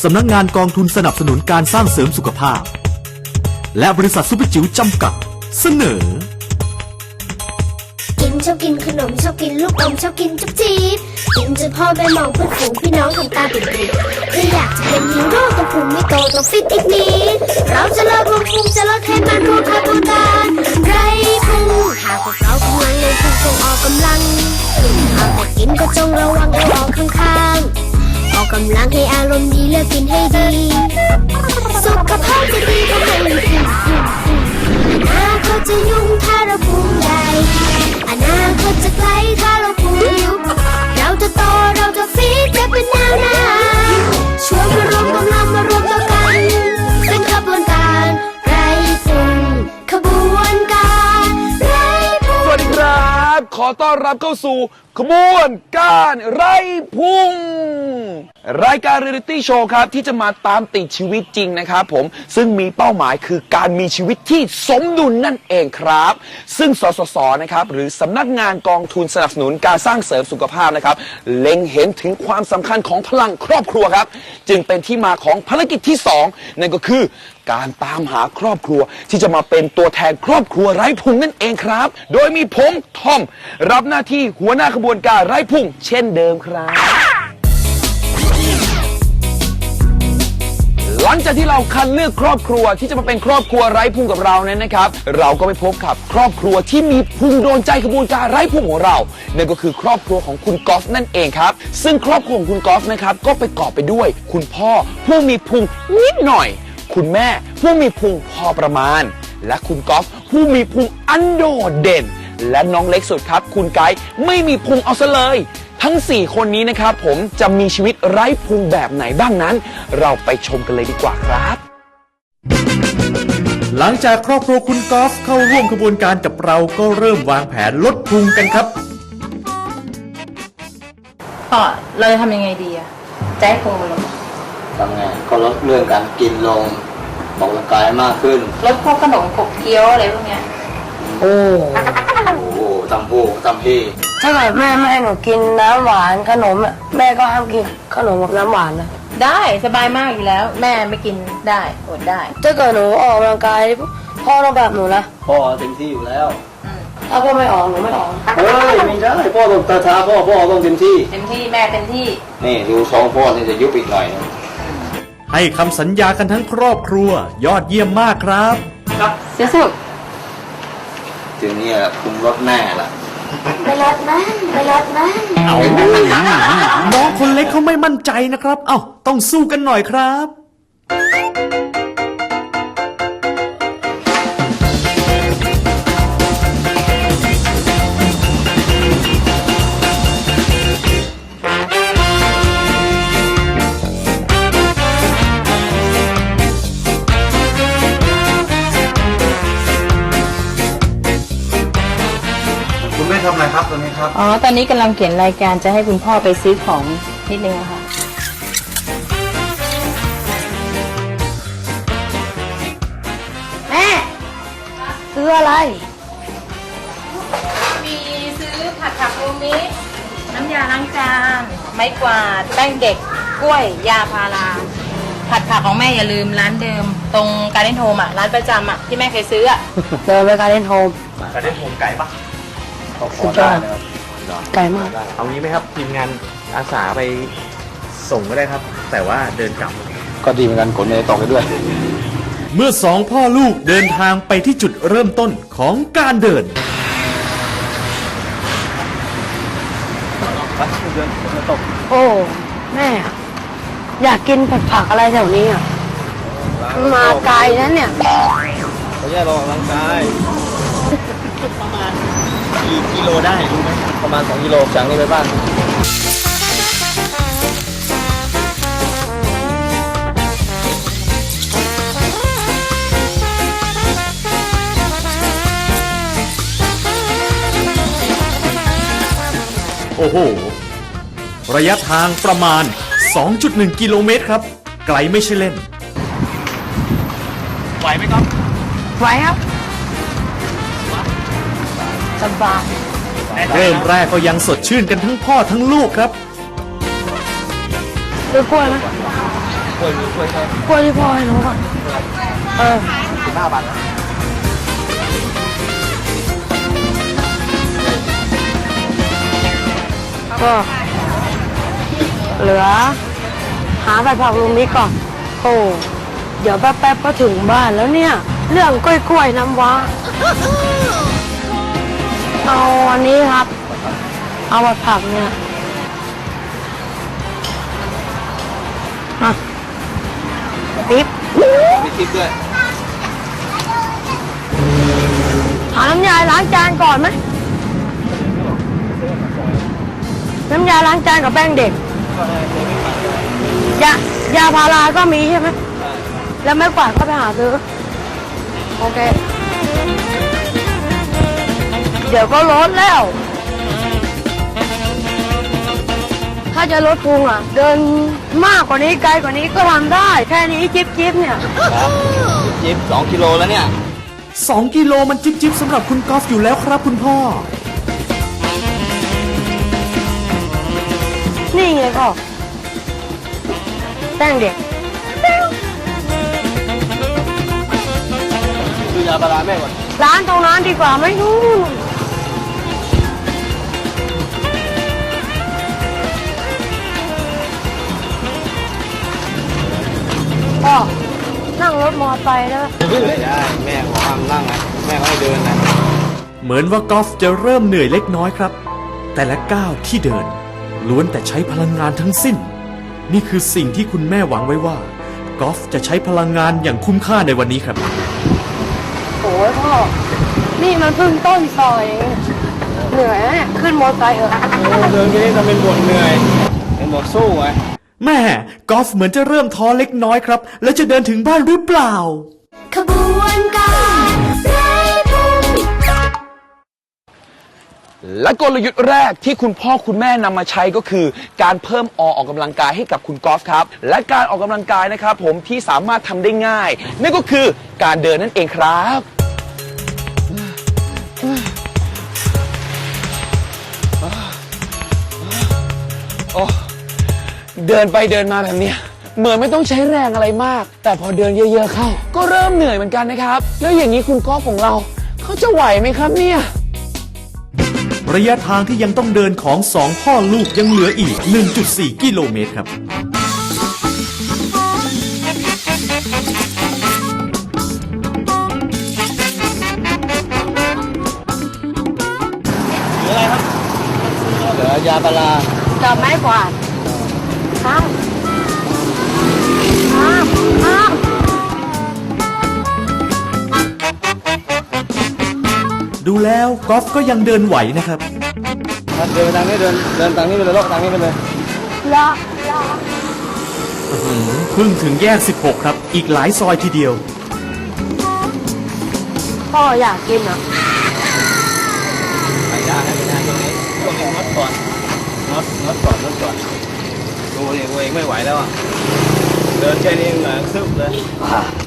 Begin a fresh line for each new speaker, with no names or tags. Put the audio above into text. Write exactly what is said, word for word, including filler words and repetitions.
สำนักงานกองทุนสนับสนุนการสร้างเสริมสุขภาพและบริษัทซุปเปอร์จิ๋วจำกัดเสนอ
กินชอบกินขนมชอบกินลูกอมชอบกินจุ๊บจี๊บกินจนพ่อแม่มองเพื่อนฝูงพี่น้องทำตาปิดๆถ้าอยากจะเป็นฮีโร่ต้องพุงไม่โตต้องฟิตอีกนิดเราจะเลิกลงพุงจะลดไขมันรวมกระบวนการไรพุงหากพวกเรากำลังลงพุงจงออกกำลังเอาแต่กินก็จงระวังเอาออกข้างๆออกกำลังให้อารมณ์ดีเลือกกินให้ดีสุขภาพจะดีก็ให้พุงอนาคตจะยุ่งถ้าเราพุงใหญ่อนาคตจะไกลถ้าเราพุงยุบเราจะโตเราจะฟิตจะเป็นแนวหน้าชวนมารวมกำลังมารวมตัวกันเป็นขบวนการไร้พุงขบวนการไร้พุง
สวัสดีครับขอต้อนรับเข้าสู่ขบวนการไร้พุงรายการเรียลลิตี้โชว์ครับที่จะมาตามติดชีวิตจริงนะครับผมซึ่งมีเป้าหมายคือการมีชีวิตที่สมดุลนั่นเองครับซึ่งสสสนะครับหรือสำนักงานกองทุนสนับสนุนการสร้างเสริมสุขภาพนะครับเล็งเห็นถึงความสำคัญของพลังครอบครัวครับจึงเป็นที่มาของภารกิจที่สองนั่นก็คือการตามหาครอบครัวที่จะมาเป็นตัวแทนครอบครัวไร้พุงนั่นเองครับโดยมีผมทอมรับหน้าที่หัวหน้าขบวนการไร้พุงเช่นเดิมครับหลังจากที่เราคัดเลือกครอบครัวที่จะมาเป็นครอบครัวไร้พุงกับเราเนี่ยนะครับเราก็ไปพบกับครอบครัวที่มีพุงโดนใจขบวนการไร้พุงของเรานั่นก็คือครอบครัวของคุณกอล์ฟนั่นเองครับซึ่งครอบครัวของคุณกอล์ฟนะครับก็ประกอบไปด้วยคุณพ่อผู้มีพุงนิดหน่อยคุณแม่ผู้มีพุงพอประมาณและคุณกอล์ฟผู้มีพุงอันโดดเด่นและน้องเล็กสุดครับคุณไกด์ไม่มีพุงเอาซะเลยทั้งสี่คนนี้นะครับผมจะมีชีวิตไร้พุงแบบไหนบ้างนั้นเราไปชมกันเลยดีกว่าครับ
หลังจากครอบครัวคุณกอล์ฟเข้าร่วมขบวนการกับเราก็เริ่มวางแผนลดพุงกันครับ
พ่อเราจะทำยังไงดีอะจะให้พุงมันลง
ทำไงก็ลดเรื่องการกินลงออกกำลังกายมากขึ้น
ลดพวกขนมขบเคี้ยวอะไรพวกเนี้ย
โอ้โหตำโพตำพี่
ถ้าเกิดแม่ไม่ให้หนูกินน้ำหวานขนมอ่ะแม่ก็ห้ามกินขนมกับน้ำหวานนะ
ได้สบายมากอยู่แล้วแม่ไม่กินได้อดได้
ถ้าเกิดหนูออกกำลังกายพ่อต้องแบบหนูนะ
พ่อเต็มที่อยู่แล้ว
ถ้าพ่อไม่ออกหนูไม่ออก
เฮ้ยไม่ได้พ่อต้องตาท้าพ่อพ่อต้องเต็มที่
เต็มที่แม่เต็มที่
นี่ดูสองพ่อนี่จะยุบอีกหน่อยนึง
ให้คำสัญญากันทั้งครอบครัวยอดเยี่ยมมากครับ
ครับเสียสุด
ถึงนี่แหละคุมรถแม่ละ
ไปรถนะไปรถนะ
เอาน้องคนเล็กเขาไม่มั่นใจนะครับเอ้าต้องสู้กันหน่อยครับ
คุณแม่ทำอะไรครับตอนนี้ครับ
อ๋อตอนนี้กำลังเขียนรายการจะให้คุณพ่อไปซื้อของนิดนึงค่ะ
แม่ซื้ออะไร
มีซื้อผัดผักโรมิน้ำยาล้างจานไม้กวาดแป้งเด็กกล้วยยาพาราผัดผักของแม่อย่าลืมร้านเดิมตรงการเล่นโฮมอ่ะร้านประจำอ่ะที่แม่เคยซื้ออ่ะ
เดินไปการเล่นโฮม
การเล่นโฮมไก่ปะ
สุดยอดไกลมาก
เอางี้ไหมครับทีมงานอาสาไปส่งก็ได้ครับแต่ว่าเดินกลับ
ก็ดีเหมือนกันขนไปต่อไปด้วย
เมื่อสองพ่อลูกเดินทางไปที่จุดเริ่มต้นของการเดิน
โอ้แม่อยากกินผัดผักอะไรแถวนี้อ่ะมาไกลนั้นเนี่ย
เขาแยกออกกำลังกายประมาณกี่กิโลได้รู้ไหมประมาณสองกิโลจากนี้ไปบ้าน
โอ้โหระยะทางประมาณ สองจุดหนึ่ง กิโลเมตรครับไกลไม่ใช่เล่น
ไหวไหมครับ
ไหวครับสบาย
เริ่มแรกก็ยังสดชื่นกันทั้งพ่อทั้งลูกครับ
ซื้อกล้วยไหม
โอ้ล้วยมีกล้วยแค่
กล้วยที่พ่อให้หนูก่อนเออ
สิบห้าบาทนะ
ก็เหลือ หาผัดผักลุงนี้ก่อนโอ้เดี๋ยวแป๊บๆก็ถึงบ้านแล้วเนี่ย เรื่องกล้วยๆน้ำว้าเอาอันนี้ครับ เอาผัดผักเนี่ยอ่ะปิ๊บ
มีทิปด้วย
หาน้ำยาล้างจานก่อนไหมน้ำยาล้างจานกับแป้งเด็กยายาพาราก็มีใช่ไหมแล้วไม่กวาดก็ไปหาซื้อโอเคเดี๋ยวก็ลดแล้ว ถ้าจะลดพุงอ่ะ เดินมากกว่านี้ไกลกว่านี้ก็ทำได้ แค่นี้จิ๊บจิ๊บเนี่ย
ครับจิ๊บสองกิโลแล้วเนี่ย
สองกิโลมันจิ๊บจิบสำหรับคุณกอล์ฟอยู่แล้วครับคุณพ่อ
นี่ไงก็แป้งเด็ก
ดูยาปลาร้าแม่ก่อน
ร้านตรงนั้นดีกว่าไหมนู่นก็นั่งรถมอเตอร์ไซค์ได้ไหม
ไม่ได้แม่ขอห้ามนั่งนะแม่เขาให้เดินนะ
เหมือนว่ากอล์ฟจะเริ่มเหนื่อยเล็กน้อยครับ แต่ละก้าวที่เดิน ล้วนแต่ใช้พลังงานทั้งสิ้น นี่คือสิ่งที่คุณแม่หวังไว้ว่ากอล์ฟจะใช้พลังงานอย่างคุ้มค่าในวันนี้ครับ
โอ้ยพ่อ นี่มันเพิ่งต้นซอยเองเหนื่อยนะเนี่ยขึ้นมอเตอร์ไซค์เถอะ
เดินไปนี่ทำเป็นบ่นเหนื่อยเป็นบ่นสู้ไง
แม่กอล์ฟเหมือนจะเริ่มท้อเล็กน้อยครับ แล้วจะเดินถึงบ้านหรือเปล่า
ขบวนการไร้พุ่ง
และกลยุทธ์แรกที่คุณพ่อคุณแม่นำมาใช้ก็คือ การเพิ่มอออกกำลังกายให้กับคุณกอล์ฟครับ และการออกกำลังกายนะครับผมที่สามารถทำได้ง่ายนั่นก็คือการเดินนั่นเองครับโอ้เดินไปเดินมาแบบเนี้ยเหมือนไม่ต้องใช้แรงอะไรมาก แต่พอเดินเยอะๆเข้า ก็เริ่มเหนื่อยเหมือนกันนะครับแล้วอย่างนี้คุณกอล์ฟของเราเขาจะไหวไหมครับเนี่ย
ระยะทางที่ยังต้องเดินของสองพ่อลูกยังเหลืออีก หนึ่งจุดสี่ กิโลเมตรครับ
เหลืออะไรครับเหลือยาปลาร้า
จับไม้กวาดข้ามข้ามข้าม
ดูแล้วกอล์ฟก็ยังเดินไหวนะครับ
เดินไปทางนี้เดินเดินทางนี้ไปเลยโลกทางนี้ไปเลย
ละละ
เพิ่งถึงแยก สิบหก ครับ อีกหลายซอยทีเดียว
พ่ออยากกินอ่ะ
ไม่ได้ไม่ได้ตรงนี้ตรงนี้งดก่อนงดงดก่อนงดก่อนดูเองตัวเองไม่ไหวแล้วอ่ะเดินแค่นี้เหงื่อซึมเลย